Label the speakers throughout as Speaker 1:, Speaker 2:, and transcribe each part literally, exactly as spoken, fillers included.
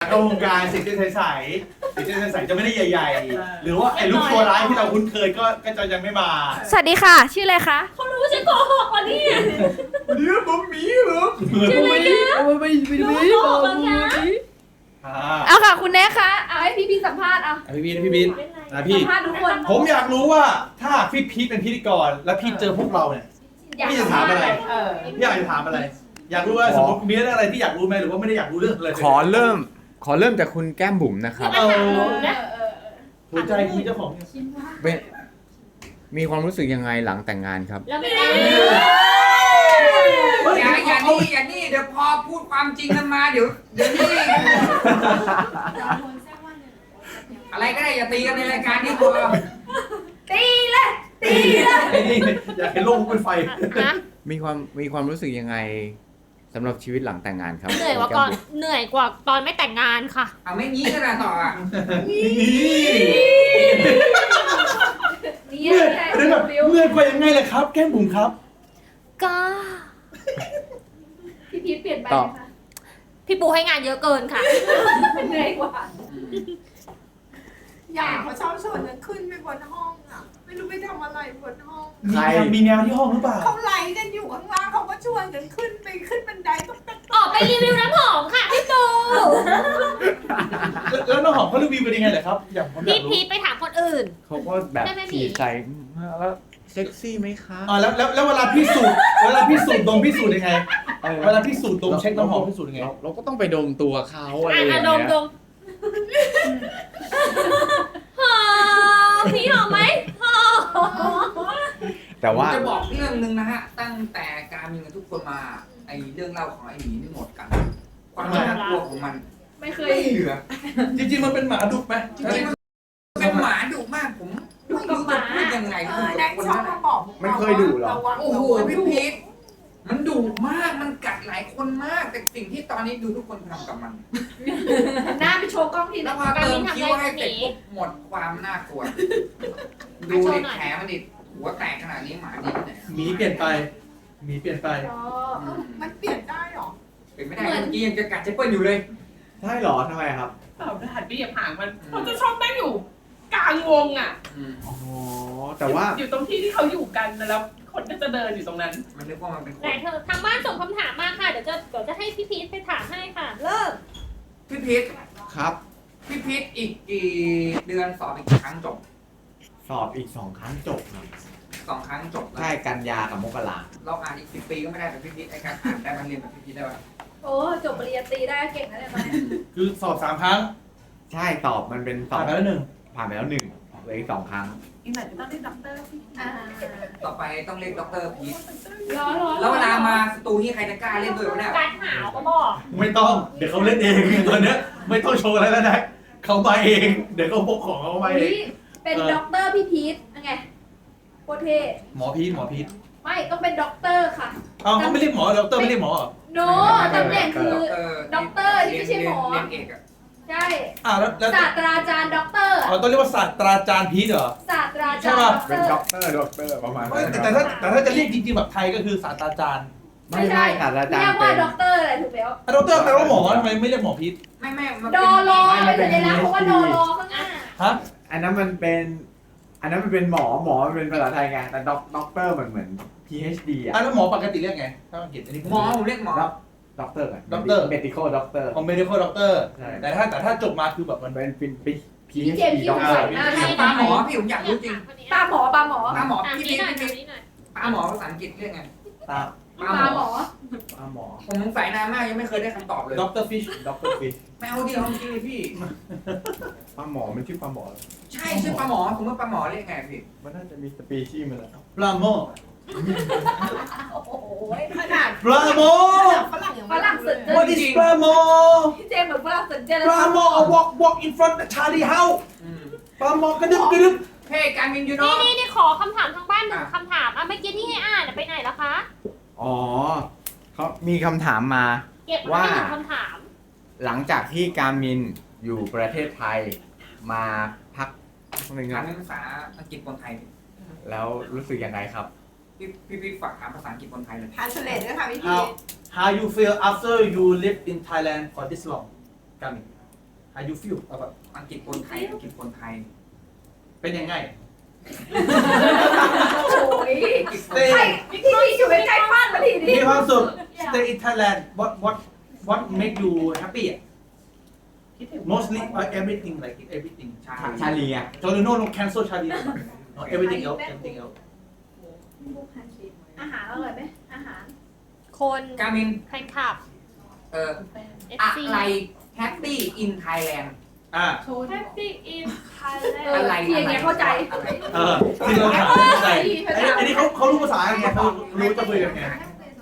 Speaker 1: เข้าวงการสิ่งที่ใสๆสิ่งที่ใสๆจะไม่ได้ใหญ่ๆหรือว่าไอ้ลูกตัวร้ายที่เราคุ้นเคยก็ก็จะยังไม่มา
Speaker 2: สวัสดีค่ะ ชื่ออะไรคะ
Speaker 3: เขารู้ว่าฉันโกหกกว่านี่
Speaker 1: เดี๋ยวผมมีเหรอ
Speaker 3: ชื่ออะไรนะ
Speaker 4: ไม่ไม่ไม่ไม่
Speaker 3: รู้ว่าโกหกแล้วนะ
Speaker 2: เอาค่ะคุณแน่คะเอาให้พี่พี่สัมภาษณ์เอา
Speaker 1: พี่บินพี่บินนะพี่
Speaker 2: สัมภาษณ์ทุกคน
Speaker 1: ผมอยากรู้ว่าถ้าพี่พีทเป็นพิธีกรแล้วพี่เจอพวกเราเนี่ยพี่จะถามอะไร
Speaker 2: เออ
Speaker 1: พี่อยากจะถามอะไร อยากรู้ว่าสมมติมีเรื่องอะไรที่อยากรู้ไหมหรือว่าไม่ได้อยากรู้เรื่องอะไร
Speaker 4: ขอเริ่ม ขอเริ่มจากคุณแก้มบุ๋มนะค
Speaker 3: อ
Speaker 4: รั
Speaker 3: ย่า
Speaker 4: บ
Speaker 3: มาถามหนูนะ
Speaker 1: หัวใจคือเจ้าของ
Speaker 4: เป็นมีความรู้สึกยังไงหลังแต่งงานครับ
Speaker 3: แล้วไม่ได้
Speaker 5: อย่าอย่านี่อย่านี่เดี๋ยวพอพูดความจริงกันมาเดี๋ยวเดี๋ยวนี่อะไรก็ได้อย่าตีกันในรายการนี้พอ
Speaker 2: ตีเลยตีเลย
Speaker 1: ไอ้นี่อยากเห็นโลกเป็นไฟ
Speaker 3: นะ
Speaker 4: มีความมีความรู้สึกยังไงสำหรับชีวิตหลังแต่งงานครับ
Speaker 3: เหนื่อยกว่าก่อนเหนื่อยกว่าตอนไม่แต่งงานค่ะ
Speaker 5: เอาไม่งี้กันนะต่ออ่ะ
Speaker 1: นี่
Speaker 2: นี่
Speaker 1: เมื่อยเรื่องแบบเมื่อยกว่ายังไงเลยครับ แก้มบุ๋มครับ
Speaker 3: ก็
Speaker 2: พี่พีทเปลี่ยนไป
Speaker 4: ต่อ
Speaker 2: ไหมคะ
Speaker 3: พี่ปูให้งานเยอะเกินค่ะ
Speaker 2: เหนื่อยกว่า
Speaker 6: อยากเขาชอบชวนกันขึ้นไปบนห้องอ่ะ ไม่รู้ไปทำอะไรบนห้อง
Speaker 1: มีแนวมีแนวที่ห้องหรือเปล่า
Speaker 6: เขาไลฟ์กันอยู่ข้างล่างเขาก็ชวนกันขึ้นไปขึ้นบันไดตุ๊กตัก
Speaker 3: ออกไปรีวิวน้ำหอมค่ะพี่ปู
Speaker 1: แล้วแล้วน้องหอมเขารีวิวเป็นยังไงเหรอครับ อย่างผมอยา
Speaker 3: พี่
Speaker 1: กรู้
Speaker 3: พีทไปถามคนอื่น
Speaker 4: เขาก็แบบ
Speaker 3: ได้ไหม
Speaker 4: ขี่ใส่แล้วเซ็กซี่ไหมคะ
Speaker 1: อ่าแล้วแล้วแล้วเวลาพิสูจน์เวลาพิสูจน์ดมพิสูจน์ยังไง
Speaker 4: ออ
Speaker 1: เวลาพิสูจน์ดมเช็คน้ำหอมพิสูจน์ยังไง
Speaker 4: เราเราก็ต้องไปดมตัวเขาอะไร
Speaker 3: อ่ะ
Speaker 4: อย่าง
Speaker 3: อ่ะ
Speaker 4: เงี้
Speaker 3: ดมด
Speaker 4: ย
Speaker 3: มหอมพี่หอมไหมหอม
Speaker 4: แต่ว่า
Speaker 5: ผมจะบอกเรื่องหนึ่งนะฮะตั้งแต่การมีกันทุกคนมาไอเรื่องเล่าของไอหมีนี่หมดกัน ความน่ากลัวของมัน
Speaker 2: ไม่เคย
Speaker 5: ไม่เหลือ
Speaker 1: จริงๆมันเป็นหมาดุไหม
Speaker 5: จริงๆมันเป็นหมาดุมากผมไม่รู้จะพูดยังไง
Speaker 6: เอ
Speaker 5: กับ
Speaker 6: อแดง
Speaker 5: คน
Speaker 6: ชอบ
Speaker 5: นั้น
Speaker 6: มาบอกพวก
Speaker 4: มัน
Speaker 6: เรา
Speaker 4: เคยดุเหรอ
Speaker 6: ระวัง
Speaker 5: โอ้โห
Speaker 6: ระวัง
Speaker 5: พี่พีทมันดุมากมันกัดหลายคนมาก แต่สิ่งที่ตอนนี้ดูทุกคนทำกับมัน
Speaker 2: หน้าไปโชว์กล้องที
Speaker 5: แล้
Speaker 2: นะ
Speaker 5: วพอเติมคิ้วให้เสร็จปุ๊บหมดความน่ากลัว ดูดิแผลมันดิหัวแตกขนาดนี้หมาดิเนี่ย
Speaker 1: หมีเปลี่ยนไปหมีเปลี่ยนไป
Speaker 2: อ๋อ
Speaker 6: มันเปลี่ยนได้เหรอ
Speaker 5: เป็นไม่ได้เมื่อกี้ยังจะกัดเจเปิ้ลอยู่เลย
Speaker 4: ใช่เหรอทำไมครับ
Speaker 7: เปล่าหันไปเหยียบหางมันเขาจะชอบนั่งอยู่กลางวงอ่ะ
Speaker 4: อ๋อ แต่ว่า
Speaker 7: อยู่ตรงที่ที่เขาอยู่กันแล้วคนก็จะเดินอยู่ตรงนั้น
Speaker 5: มันนึกว่ามันเป็นค
Speaker 3: ไหน
Speaker 5: น
Speaker 3: เธอทางบ้านส่งคำถามมาค่ะ เดี๋ยวจะเดี๋ยวจะให้พี่พีทไปถามให้ค่ะ เริ่ม
Speaker 5: พี่พีท
Speaker 4: ครับ
Speaker 5: พี่พีทอีกกี่เดือนสอบอีกกี่ครั้งจบ
Speaker 4: สอบอีกสองครั้งจบครับ
Speaker 5: สองครั้งจบแล้ว
Speaker 4: ใช่กันยากับมกรา
Speaker 5: เราอ่านอีกสิบปีก็ไม่ได้แบบพี่พีทไอ้การอ่านได้มันเรียนแบบพี่พีทได้ป่ะ
Speaker 2: โอ้จบปริญญาตรีได้เก่งนะเนี่ยตอนนี้
Speaker 1: คือสอบสามครั้ง
Speaker 4: ใช่ตอบมันเป็นสอ
Speaker 1: ผ่าน
Speaker 4: บ
Speaker 1: ไปแล้วหนึ่ง
Speaker 4: ผ่านไปแล้วหนึ่งเหลืออีกสองครั้ง
Speaker 7: อีกหน่อยจะต้องได้ด็อกเตอร์พี่
Speaker 2: อ่า
Speaker 5: ต่อไปต้องเรียกด็อกเตอร์พีท
Speaker 2: ร้อนร้อน
Speaker 5: แล้วเวลามาสตูนี่ใครจะกล้าเล่นด้วยวะเนี่ย
Speaker 3: การหาวก็บอก
Speaker 1: ไม่ต้อง เดี๋ยวเขาเล่นเองตอนเนี้ยไม่ต้องโชว์อะไรแล้วนะเขามาเอง เดี๋ยวเขาพกของเขามาเอง
Speaker 2: นี่เป็นด็อกเตอร์พี่พีทยังไงโคตรเท่
Speaker 1: หมอพีทหมอพีท
Speaker 2: ไม่ต้องเป็นด็อกเตอร์ค่ะ
Speaker 1: เอาเขาไม่เรียกหมอดอกเตอร์ไม่เรียกหมอเหรอ
Speaker 2: โนตำแหน่งคือ ด็อกเตอร์ที่ไม่ใช่หมอ
Speaker 5: เรียนเอกอะ
Speaker 2: ใช่
Speaker 1: อ่าแล้วแล้ว
Speaker 2: ศาสตราจารย์ด็อกเตอร์
Speaker 1: อ๋อต้องเรียกว่าศาสตราจารย์พีทเหรอ
Speaker 2: ศาสตรา
Speaker 1: ใช่
Speaker 2: จารย์
Speaker 1: ป่ะ
Speaker 2: ด็อกเต
Speaker 4: เป็
Speaker 2: อน ร์
Speaker 4: ด็อกเตอร์ด็อกเตอร์ประมาณ
Speaker 1: เอ้ย
Speaker 4: นั้น
Speaker 1: แต่แต่ถ้าแต่ถ้าจะเรียกจริงๆแบบไทยก็คือศาสตราจารย์
Speaker 4: ไม่ใช่ค่ะอาจาร
Speaker 2: เรีย
Speaker 4: ย์
Speaker 2: ก
Speaker 4: เป็
Speaker 2: ว่าน ด็อกเตอร์อะไรถูกแล้ว
Speaker 1: อ่ะดอกเตอร์แปลว่าหมอทำไมไม่เรียกหมอพีท
Speaker 5: ไม่ไม่มัน
Speaker 2: ด
Speaker 5: เป็น
Speaker 2: อรอ
Speaker 4: ไม่
Speaker 2: เป็น
Speaker 4: เป็น
Speaker 2: สัญลักษณ์เพราะว่าดอรอข้างหน้า
Speaker 1: ฮะ
Speaker 4: อันนั้นมันเป็น อันนั้นมันเป็นหมอหมอมันเป็นภาษาไทยไงแต่ด็อกด็อกเตอร์มันเหมือน พี เอช ดี อ่ะ
Speaker 1: อ่ะแล้วหมอปกติเรียกไงถ้าอังกฤษอันนี้ผม
Speaker 5: หมอผมเรียกหมอ
Speaker 4: ด็อกเตอร์กัน
Speaker 1: Doctor
Speaker 4: medical doctor
Speaker 1: ของ medical doctor
Speaker 4: ใช่
Speaker 1: แต่ถ้าแต่ถ้าจบมาคือแบบมัน
Speaker 4: เป็นเป็นเป็น
Speaker 2: พี่
Speaker 4: พี
Speaker 2: เจ
Speaker 4: เอช
Speaker 2: มส์
Speaker 4: ดี
Speaker 2: ที่
Speaker 4: ด็อก
Speaker 2: สง
Speaker 4: เตอ
Speaker 2: สัย
Speaker 4: ร์
Speaker 2: มาก
Speaker 5: ปลาหมอพี่ผมอยากรู้จริง
Speaker 2: ปลาหมอปลาหมอ
Speaker 5: ปลาหมอ
Speaker 3: ถาม
Speaker 5: พี่
Speaker 3: นี้
Speaker 5: พีท
Speaker 3: หน่อย
Speaker 5: พี่
Speaker 3: ถาม
Speaker 5: พีท
Speaker 3: นี้หน่อย
Speaker 5: ปลาหมอภาษาอังกฤษเรียกไง
Speaker 4: ตา
Speaker 5: ป
Speaker 2: ป
Speaker 5: ลา
Speaker 2: ลา
Speaker 5: ห
Speaker 2: ห
Speaker 5: ม
Speaker 2: ม
Speaker 5: อ
Speaker 2: อ
Speaker 4: ปลาหมอ
Speaker 5: ผมสงสัยนานมากยังไม่เคยได้คำตอบเลย
Speaker 1: doctor fish
Speaker 4: ด็อกเตอร์ฟิช
Speaker 5: ไม่เอาดิเอาจริงเลยพี่
Speaker 4: ปลาหมอมันชื่อปลาหมอ
Speaker 5: ใช่ชื่อปลาหมอผมว่าปลาหมอเรียกไงพี่
Speaker 4: มันน่าจะมีสปีชีส์มันแล้ว
Speaker 1: ปลาโม
Speaker 2: โอ้โห
Speaker 6: ขนาด
Speaker 1: ปลาโม
Speaker 6: ฝรั่งยัง
Speaker 2: ฝรั่งสุด
Speaker 6: เลย
Speaker 1: what is ปลาโม
Speaker 2: พี่เจมส์เหมือนฝรั่งสนใจ
Speaker 1: ปลาโม a walk walk in front of Charlie House
Speaker 5: อืม
Speaker 1: ปลาโมกระดึบกระดึบ
Speaker 5: เฮ้การมินยูโน
Speaker 3: นี่นี่นี่ขอคำถามทางบ้านหนึ่งคำถามอ่ะเมื่อกี้ที่ให้อ่านอ่ะไปไหนแล้วคะ
Speaker 4: อ๋อเขามีคำถามมา
Speaker 3: เก็บมาให้หนึ่งคำถาม
Speaker 4: หลังจากที่การมินอยู่ประเทศไทยมาพักหนึ่ง
Speaker 5: การ
Speaker 4: นะ
Speaker 5: เป็นภาษาอังกฤษคนไทย
Speaker 4: แล้วรู้สึกยังไงครับ
Speaker 5: พี่พี่พี่ฝากถามภาษาอังกฤษคนไทยเลย
Speaker 6: ทานสเลตด้วยค่ะพี่พี
Speaker 1: how how you feel after you live in Thailand for this long กัน How you feel เอาแบบ
Speaker 5: อังกฤษคนไทยอังกฤษคนไทย
Speaker 1: เป็นยังไง
Speaker 6: โอ้ย
Speaker 5: อังกฤษคน
Speaker 1: Stay
Speaker 5: ไทย
Speaker 6: พี่พี่อยู่ใกล้ๆบ้านมาทีนี้
Speaker 1: มีความสุข Stay in Thailand what what what make you happy mostly uh, everything like everything
Speaker 5: ใช่
Speaker 4: ชาลีอ่ะ
Speaker 1: so you know no cancel Charlie no everything else everything else
Speaker 6: อาหารอร่อยไหมอาหาร
Speaker 3: คน
Speaker 5: กามิน
Speaker 3: แฟนคลับ
Speaker 5: เอ่อ
Speaker 3: เอฟ
Speaker 5: อะ
Speaker 3: ซี
Speaker 5: ไรแฮปปี้อินไทยแลนด์
Speaker 1: อ่า
Speaker 3: Happy in
Speaker 5: อะไร
Speaker 3: Thailand
Speaker 6: ที่อย่างเงี้ยเข้าใจ
Speaker 5: อะไร
Speaker 1: เออที่เราถามใช่อันนี้เขาเขารู้ภาษาไงเขารู้จะคุยกันไง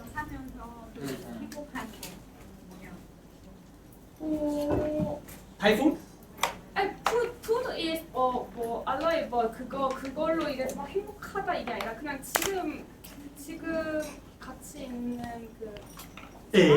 Speaker 1: ไทยฟู้ด
Speaker 7: 아니 푸드 푸드 is 어뭐 알로에 뭐 그거 그걸로 이래서 막 행복하다 이게 아니라 그냥 지금 지금 같이 있는 그
Speaker 1: เอ๋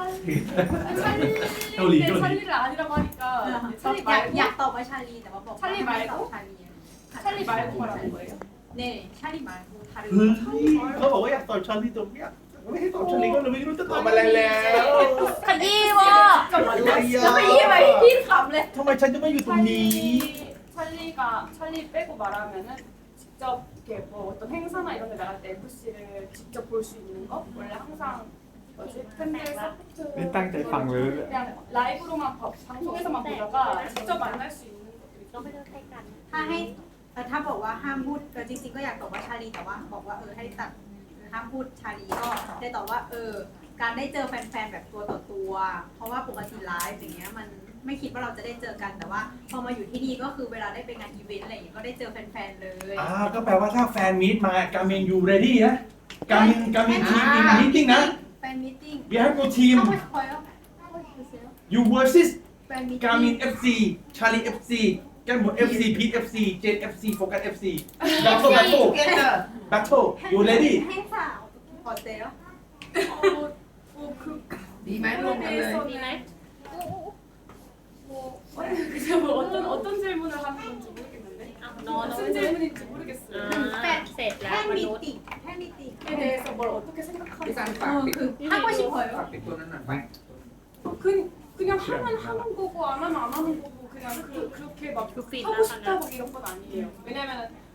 Speaker 7: 찰리
Speaker 1: 요리,
Speaker 7: 내
Speaker 1: 요리.
Speaker 7: 찰리를 아니라고 하니까 찰리
Speaker 8: อยากอยาก
Speaker 7: 말고
Speaker 8: ตอบว่าชาลีแต่ว่าบอก
Speaker 7: ชาลีไหม
Speaker 8: ตอบชาลี
Speaker 7: 찰리 말고 말하는 거예요?
Speaker 8: เนี่ยชาลีมาทารุ
Speaker 1: เฮ้ยเขาบอกว่าอยากตอบชาลีตรงเนี้ยไม่ให้ตอบชาลีก็เลยไม่รู้จะตอบอะไรแล้ว
Speaker 3: ขยี้วะ
Speaker 6: แล้วไปยี่ไปพี่ขำเลย
Speaker 1: ทำไมฉันจะไม่อยู่ตรงนี้
Speaker 7: 찰리 찰리가 찰리 빼고 말하면은 직접 이렇게 뭐 어떤 행사나 이런 데 나갈 때 에프씨를 직접 볼 수 있는 거 원래 항상 뭐지 팬들 서포트
Speaker 4: นี่ตั้งใจฟังเลย
Speaker 7: 그냥 라이브로만 봐, 방송에서만 보다가 직접 만날 수 있는 것들이
Speaker 3: เราไม่ต้องใช้กัน
Speaker 8: ถ้าให้เอ่อถ้าบอกว่าห้ามพูดเออจริงๆก็อยากตอบว่าชาลีแต่ว่าบอกว่าเออให้ตัดห้ามพูดชาลีก็ได้ตอบว่าเออการได้เจอแฟนๆแบบตัวต่อตัว เพราะว่าปกติไลฟ์อย่างเงี้ยมันไม่คิดว่าเราจะได้เจอกันแต่ว่าพอมาอยู่ที่นี่ก็คือเวลาได้ไปงานอีเวนต์อะไรอย่างเงี้ยก็ได้เจอแฟนๆเลย
Speaker 1: อ่าก็แปลว่าถ้าแฟนมีตมาการมินยูเรดี้นะการมินการมินทีมมีมีติ้งนะ
Speaker 8: แฟนมีตติ้ง
Speaker 1: we have no team
Speaker 8: เข้าไปคอยแล้ว
Speaker 1: you versus
Speaker 8: แฟนมีต
Speaker 1: การมิ
Speaker 8: ติ้
Speaker 1: น
Speaker 8: ง
Speaker 1: เอฟซีชาลีเอฟซีกันหมดเอฟซีพีทเอฟซีเจนเอฟซีโฟกัสเอฟซี battle battle battle you ready
Speaker 8: ให้สาวขอเซล
Speaker 7: 어뭐그
Speaker 5: ดีไหมรวมกันเลย
Speaker 3: ดีไหม
Speaker 7: 뭐 그냥 뭐 어떤 어떤 질문을 하는 건지 모르겠는데
Speaker 3: อ่ะนอน
Speaker 7: 무슨 질문인지 모르겠어요.
Speaker 3: อ่าเสร็จแล้
Speaker 8: แค่
Speaker 3: วม
Speaker 8: มี
Speaker 3: นุษย์
Speaker 8: ติแค่มีติ
Speaker 7: 에 대해서 뭘 어떻게
Speaker 5: พี่
Speaker 7: 생각하는지
Speaker 5: ซัน
Speaker 8: เอ
Speaker 5: ฝาก
Speaker 8: อ
Speaker 5: ปิด
Speaker 8: คือถ้าก็ชิบหอย
Speaker 5: ฝากปิดตัวนั้นหน่อยไป
Speaker 7: 그, 그냥 하면 하는 거고 안 하면 안 하는 거고 그냥 그, 그렇게 막
Speaker 3: 그 핀
Speaker 7: 하고 싶다
Speaker 3: 나가는.
Speaker 7: 막 이런 건 아니에요. 왜냐면은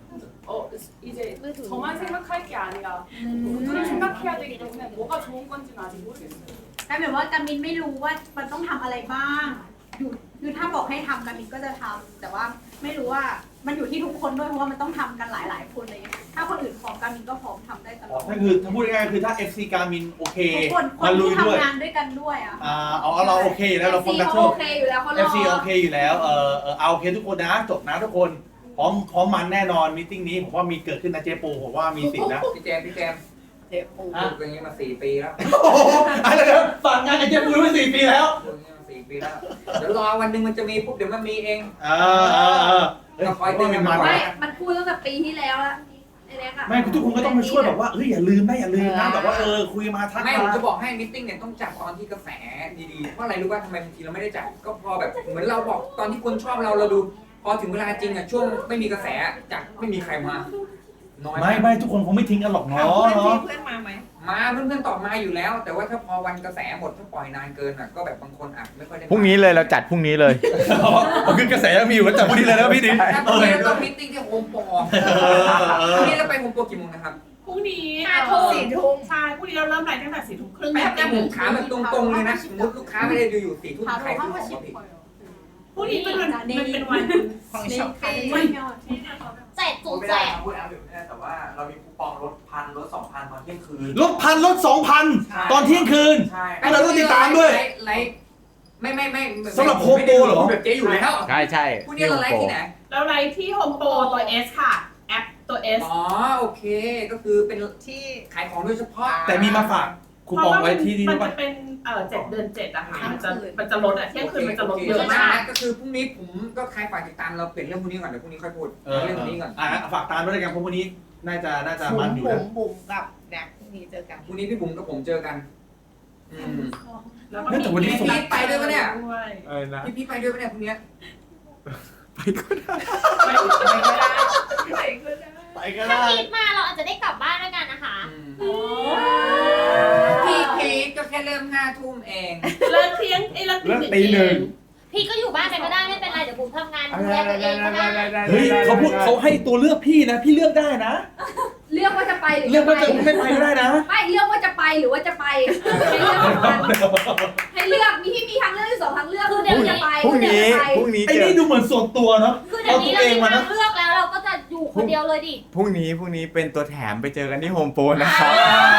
Speaker 7: 어 이제 저만 생각할 게 아니라 모두를 생각해야 되기 때문에 뭐가 좋은 건지는 아직 모르겠어요.
Speaker 8: กลายเป็นว่าการมินไม่รู้ว่ามันต้องทำอะไรบ้างอยู่คือถ้าบอกให้ทำการมินก็จะทำแต่ว่าไม่รู้ว่ามันอยู่ที่ทุกคนด้วยเพราะว่ามันต้องทำกันหลายๆคนเลยถ้าคนอื่นพร้อมการมินก็พร้อมทำได้ตลอด
Speaker 1: ถ้าคือถ้าพูดง่ายๆคือถ้า เอฟ ซี การมินโอเค
Speaker 8: ทุกคนค
Speaker 1: มาน ลุย
Speaker 8: ที่
Speaker 1: ด้วย
Speaker 8: ทำงานด้วยกันด้วยอ่ะ
Speaker 1: อ่าเอาเอาเราโอเคอยู่แล้วเราคอมแบท
Speaker 6: โอ
Speaker 1: เทิล
Speaker 6: เคอยู่แล้วเขาร
Speaker 1: เอ
Speaker 6: อ
Speaker 1: ฟ ซี โอเคอยู่แล้วเออเออเอาโอเคทุกคนนะจบนะทุกคนพร้อมพร้อมมันแน่นอนมีติ้งนี้ผมว่ามีเกิดขึ้นนะเจ๊ปูผมว่ามีสิทธิ์นะ
Speaker 5: พี่แจมพี่แจม
Speaker 6: เจ็บปู
Speaker 5: พูดอย่างนี้มาสี่ปีแล้ว
Speaker 1: โอ้โหอะไรนะฝากงานกับเจ๊ปูมาสี่ปีแล้ว
Speaker 5: พูดอย่างนี้มาสี่ปีแล้วเดี๋ยวรอวันหนึ่งมันจะมีปุ๊บเดี๋ยวมันมีเอง
Speaker 1: เออเออเออเฮ้ย
Speaker 5: ก็คอยเตือนกัน
Speaker 1: มัน
Speaker 5: ไว้
Speaker 6: ไม่มันพูดตั้งแต่ปีที่แล้วละไอ้เล็กอะ
Speaker 1: ไม่ทุกคนก็ต้องมาช่วยแบบว่าเฮ้ยอย่าลืมนะอย่าลืมนะแบบว่าเออคุยมาทัก
Speaker 5: ไม่
Speaker 1: มา
Speaker 5: ผมจะบอกให้มิทติ้งเนี่ยต้องจัดตอนที่กระแสดีๆเพราะอะไรรู้ว่าทำไมบางทีเราไม่ได้จัดก็พอแบบเหมือนเราบอกตอนที่คนชอบเราเราดูพอถึงเวลาจริงอ่ะช่วงไม่มีกระแสจัดไม่มีใครมาน้อย
Speaker 1: ไม่ไม่ทุกคนคงไม่ทิ้งกันหรอกเนาะเนาะ
Speaker 6: เพื่อนมาไหม
Speaker 5: มาเพื่อนๆตอบมาอยู่แล้ว แต่ว่าถ้าพอวันกระแสหมดถ้าปล่อยนานเกินอ่ะก็แบบบางคนอ่ะไม่ค่อยได้มา
Speaker 4: พรุ่งนี้เลยเราจัดพรุ่งนี้เลย
Speaker 1: อ๋อคือกระแสยังมีอยู่ก็จับพอดีเลยนะพี่ดิ
Speaker 5: ถ้าพรุ่งนี้เราต้องมิทติ้งที่โฮมโปร
Speaker 1: เออเอ
Speaker 5: พรุ่ง
Speaker 1: อ
Speaker 5: นี้เราไปโฮมโปรกี่โมงนะครับ
Speaker 7: พรุ่งนี้
Speaker 6: ห้าทุ่มสี่ทุ่ม
Speaker 7: ใช่พรุ่งนี้เราเริ่มไลฟ์ตั้งแต่สี่ทุ่มครึ่ง
Speaker 5: แป๊บนะผมถามแบบตรงๆเลยนะสมมติลูกค้าไม่ได้ดูอยู่สี่ทุ่ม
Speaker 8: พา
Speaker 5: ใคร
Speaker 8: เรา
Speaker 5: ซื้
Speaker 8: เข้า
Speaker 5: อข
Speaker 8: มา
Speaker 5: อง
Speaker 8: ชิ
Speaker 5: มา
Speaker 8: ป
Speaker 5: ผิด
Speaker 7: พรุ่งนี้เป็นวันมันเป็นวัน
Speaker 6: ของ
Speaker 8: ใน
Speaker 6: ช็อป
Speaker 8: คา
Speaker 6: ปี้
Speaker 8: ไม่ยอด
Speaker 3: แจกจุ
Speaker 4: ไม่
Speaker 3: แจ
Speaker 4: ได้
Speaker 3: ก
Speaker 4: พูดแล้วไม่ได้แต่ว่าเรามีคูปองลดพันลดสองพันตอนเที่ยงคืน
Speaker 1: ลดพันลดสองพันตอนเที่ยงคืน
Speaker 4: ใช่
Speaker 1: ให้เราต้องติดตามด้วย
Speaker 5: ไลฟ์ไม่ไม่ไม่
Speaker 1: สำหรับโฮมโปรเหรอ
Speaker 5: แบบเจ๊อยู่แล้ว
Speaker 4: ใช่ใช่
Speaker 5: พรุ่งนี้เราไลฟ์ที่ไหน
Speaker 7: เราไลฟ์ที่โฮมโปรตัว S ค่ะ แอปตัว S
Speaker 5: อ๋อโอเคก็คือเป็น
Speaker 6: ที่
Speaker 5: ขายของโดยเฉพาะ
Speaker 1: แต่มีมาฝากคูปองไว้ที่นี่
Speaker 7: มั
Speaker 1: ด้วย
Speaker 7: น
Speaker 1: ป่ะ
Speaker 7: จะเป็นเอ่อเจ็ดเดือนเจ็ดอะค่ะมันจะมันจะลดอะเที่ยงคืนมันจะลดเย
Speaker 5: เย
Speaker 7: อะ
Speaker 5: อะ
Speaker 7: มาม
Speaker 5: าก กก็คือพรุ่งนี้ผมก็ใครฝากติดตามเราเปลี่ยนเรื่องพรุ่งนี้ก่อนเดี๋ยวพรุ่งนี้ค่อยพูด
Speaker 1: เออ
Speaker 5: เรื่องพรุ่งนี้ก่อน
Speaker 1: อ่ะฝากตามด้วยกันเพราะวันนี้น่าจะน่าจะ
Speaker 6: บุ๋
Speaker 1: มัน
Speaker 6: ม
Speaker 1: อยู่
Speaker 6: บุ๋
Speaker 1: นะ
Speaker 6: มบุ๋มกับแน็กพรุ่งนี้เจอกัน
Speaker 5: พรุ่งนี้พี่บุ๋มกับผมเจอกันอืม
Speaker 7: แล้วก็มี
Speaker 5: พี่พีทไปด้วยปะเนี่ย
Speaker 7: ด้วย
Speaker 4: เออนะ
Speaker 5: พี่พีทไปด้วยปะเนี่ยพรุ่งนี้
Speaker 7: ไปไปก็ได้
Speaker 6: ไหนก็ได้
Speaker 1: ไปก็
Speaker 3: ถ้า
Speaker 1: ได้
Speaker 3: พีทมาเราอาจจะได้กลับบ้านด้วยกันนะคะ
Speaker 5: อืมพี่พีทก็แค่เริ่มห้าทุ่มเอง
Speaker 7: เลิกเที่ยงไอ้เลิก
Speaker 4: เลิกตีหนึ่ง
Speaker 3: พีพี่ก็อยู่บ้านไปก็ได้ไม่เป็นไรเดี๋ยวผมทำงานดูแลตัวเองก็ได้
Speaker 1: เฮ้ยเขาพูดเขาให้ตัวเลือกพี่นะ พี่เลือกได้นะ
Speaker 2: เลือกว่าจะไปหรือ
Speaker 1: เลือกว่าจะไม่ไปก็ได้นะ
Speaker 2: ไม่เลือกว่าจะไปหรือว่าจะไปให้เลือกสองทางให้เลือกมีพี่มีทางเลือกอยู่สองทางเลือกคือเดี๋ยวจะไป
Speaker 4: พรุ่งนี้
Speaker 2: เดี๋ยวจะไป
Speaker 4: พรุ่งนี้
Speaker 1: ไอ้
Speaker 4: เจอ
Speaker 1: นี่ดูเหมือนส่วนตัวเนาะ
Speaker 3: คือเดี๋ยวนี้เรา
Speaker 1: เอาตัวเอง
Speaker 3: มี
Speaker 1: มา
Speaker 3: ทา
Speaker 1: นะ
Speaker 3: งเลือกแล้วเราก็จะอยู่คนเดียวเลยดิ
Speaker 4: พรุ่งนี้พรุ่งนี้เป็นตัวแถมไปเจอกันที่โฮมโปรนะครับ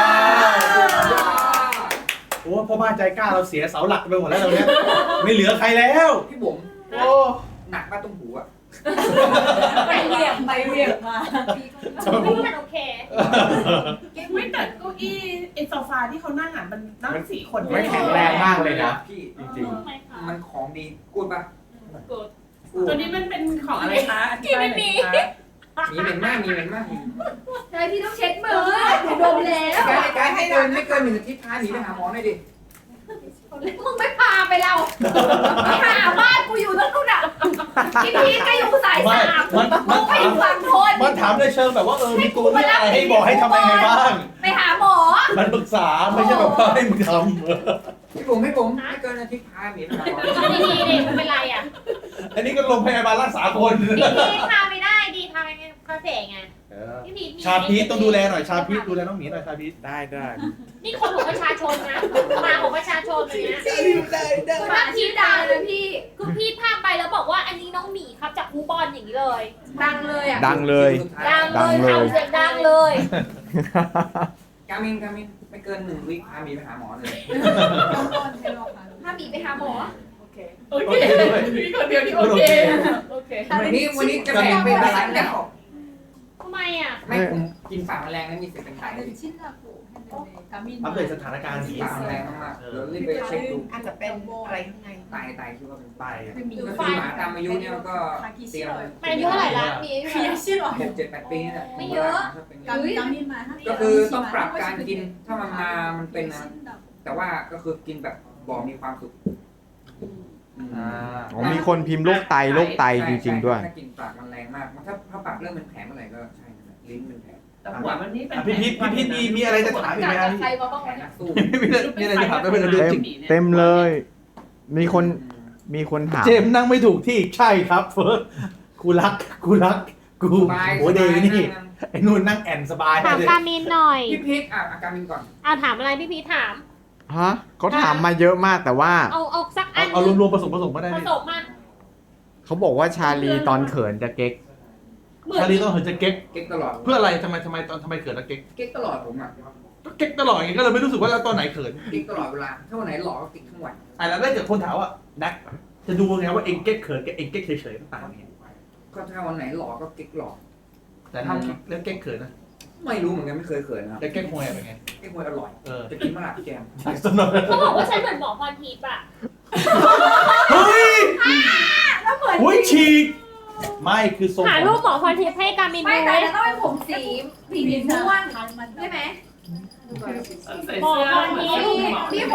Speaker 1: โอ้พ่อบ้านใจกล้าเราเสียเสาหลักไปหมดแล้วเราเนี้ยไม่เหลือใครแล้ว
Speaker 5: พี่บุ๋ม
Speaker 1: โอ้
Speaker 5: หนักมากตรงหูอ่ะ
Speaker 8: ไปเรียกไปเรียกมา
Speaker 3: มันโอเค
Speaker 6: ไม่แต่เก้าอี้ไอ้โซฟาที่เขานั่งอ่ะมันนั่งสี่คน
Speaker 4: ไม่แข็งแรงมากเลยนะ
Speaker 5: พี่
Speaker 4: จริง
Speaker 5: มันของดีกูดปะ
Speaker 6: ตัวนี้มันเป็นของอะไรคะอธิบายหน่อยคะ
Speaker 5: มีเหม็นมากมีเหม็นมาก
Speaker 2: ใช่พี่ต้องเช็ดมือหนูดมแล้ว
Speaker 5: ไกด์ไกด์ให้เกินไม่เกินหนึ่งอาทิตย์พาหนีไปหาหมอหน่อยดิ
Speaker 2: มึงไม่พาไปเราไปหาบ้านกูอยู่ตรงนู้นอ่ะพี่พีทก็อยู่สาย
Speaker 1: ไม่
Speaker 2: สาม
Speaker 1: มัน
Speaker 2: มึ
Speaker 1: มัน
Speaker 2: งไป
Speaker 1: ถา
Speaker 2: อ
Speaker 1: ม
Speaker 2: ยู่ฝั่งทน
Speaker 1: มันถามในเชิงแบบว่าเออมีตัวเลือกอะไรให้บอกให้ทำยังไงบ้าง
Speaker 2: ไปหาหมอ
Speaker 1: มันปรึกษาไม่ใช่แบบว่าให้มึงท
Speaker 5: พี่บุ๋มพี่บุ๋มไม่เกินอาทิตย์พาหนีไปหาหมอ
Speaker 3: ดีดีดีไม่เป็นไรอ่ะ
Speaker 1: ำอันนี้ก็ลงพยาบาลรักษาคน
Speaker 3: ดีพาไม่ได้ดีพาไปคาเฟ่ไงพี่พี
Speaker 1: ชาพีทต้องดูแลหน่อยชาพีทดูแลน้องหมีหน่อยชาพีท
Speaker 4: ได้ได้
Speaker 3: นี่คนของประชาชนนะมาของประชาชนเลยนะ
Speaker 1: ได้ได้
Speaker 2: หมาชี้ดังเลยพี่
Speaker 3: คือพี่พาไปแล้วบอกว่าอันนี้น้องหมีครับจากคูบอลอย่างนี้เลย
Speaker 2: ดังเลยอ่ะ
Speaker 4: ดังเลย
Speaker 3: ดังเลยทำเสียงดังเลย
Speaker 5: กามินกามินไม่เกินหนึ่งวิพาหนีไปหาหมอเลย
Speaker 2: ถ้ามีไปหาหมอ
Speaker 6: โอเคโอเคพี่คนเดียวที่โอเคโอเค
Speaker 5: วันนี้วันนี้จะแบ่งเป็นดาราแล้ว
Speaker 3: ทำไมอ่ะ
Speaker 5: ไม่ผมกินฝาแมลงแล้วมีสิทธิ์เป็นไข้
Speaker 1: อัปเดตสถานการณ์หมี
Speaker 5: ฝาแมลงมากๆเดี๋ยวรีบไปเช็คดู
Speaker 6: อาจจะเป็นอะไรข้างใน
Speaker 5: ไตไตคิดว่าเป็น
Speaker 1: ไป
Speaker 5: ก็คือหมาตามอายุเนี่ยก็เตรียม
Speaker 3: มันอายุเท่าไหร่ละมีอายุเท่าไหร่
Speaker 5: หกเจ็ดแปดปีนี่แหละ
Speaker 3: ไม่เยอะ
Speaker 5: ก็คือต้องปรับการกินถ้ามันมามันเป็นนะแต่ว่าก็คือกินแบบบอกมีความสุข
Speaker 1: อ่า
Speaker 4: อ๋อมีคนพิมพ์โรคไตโรคไตจริงๆด้วย
Speaker 5: ถ้ากินปากมันแรงมากถ้าถ้าปากเริ่มเป็นแผลเมื่อไหร่ก็ใช่นะลิ้นเป็นแผล
Speaker 6: แต่หัวมันนี่เป็น
Speaker 1: อ่ะพี่พีทพี่พีทมีมีอะไรจะถามอีก
Speaker 2: จาก
Speaker 1: ไหมครั
Speaker 2: จา
Speaker 1: บ
Speaker 2: กใครมาบ้าง
Speaker 5: แผล
Speaker 2: วะ
Speaker 5: นั
Speaker 2: เนี่ย
Speaker 5: กสู้
Speaker 1: มีอะไรจะถามไม่เป็นเรื่อง
Speaker 4: เต็
Speaker 1: จ
Speaker 4: ม
Speaker 1: ริง
Speaker 4: เต็มเลย มีคนมีคนถาม
Speaker 1: เจมส์นั่งไม่ถูกที่ใช่ครับเฟิร์สกูรักกูรักกู
Speaker 5: สบาย
Speaker 1: โอ้เดย์นี่ไอ้นู่นนั่งแอนสบาย
Speaker 3: ถาม
Speaker 1: เลย
Speaker 3: กามินหน่อย
Speaker 5: พี่พีคอ่ะอาการมินก่อน
Speaker 3: เอาถามอะไรพี่พีทถาม
Speaker 4: ฮะเขาถามมาเยอะมากแต่ว่า
Speaker 3: เอาเอาสักอั
Speaker 1: เอา
Speaker 3: น
Speaker 1: เอารวมๆผสมผสมก็ได้
Speaker 3: ผ
Speaker 1: นี่
Speaker 3: สมมา
Speaker 4: เขาบอกว่าชาลีตอนเขินจะเก๊ก
Speaker 1: ชาลีต้องเหินจะเก๊ก
Speaker 5: เก๊กตลอด
Speaker 1: เพื่ออะไรทำไมทำไมตอนทำไมเขินแล้วเก๊ก
Speaker 5: เก๊กตลอดผมอ่ะ
Speaker 1: ก็เก๊กตลอดอย่างเงี้ยก็เลยไม่รู้สึกว่าเราตอนไหนเขิน
Speaker 5: เก๊กตลอดเวลาถ้าวันไหนหล่อก็เก๊กทั้งวัน
Speaker 1: อ่ะแล้วถ้าเกิดคนถามว่าแน็กจะดูไงว่าเองเก๊กเขินกับเองเก๊กเฉยๆมันต่างกันไง
Speaker 5: ก็ถ้าวันไหนหล่อก็เก๊กหล่อ
Speaker 1: แต่ถ้าเรื่องเก๊กเขินนะ
Speaker 5: ไม่รู้เหมือนกันไม่เคยเขินนะครับ
Speaker 1: แต่เก๊กฮวยเป็นไง
Speaker 5: เก๊กมวยอร่อย
Speaker 1: เออ
Speaker 5: จะกินมะระพี่แกม
Speaker 1: สนุก
Speaker 3: เขาบอกว่าฉันเหมือนหมอพรทิพย์อ่ะ
Speaker 1: เฮ้ย
Speaker 2: แล้วเหมือน
Speaker 1: โอ้ยฉีกไม่คือทรง
Speaker 3: หา
Speaker 1: ผม
Speaker 3: รูปหมอพรทิพย์ให้กามิน
Speaker 2: ไม่
Speaker 3: ดู
Speaker 2: แต่
Speaker 3: เลย
Speaker 2: จะต้องเป็นผมสีสีม่วงใช่ไหม
Speaker 6: ใส่
Speaker 3: หมอ
Speaker 6: เสื้อ
Speaker 3: พรทิพย์
Speaker 2: มีคน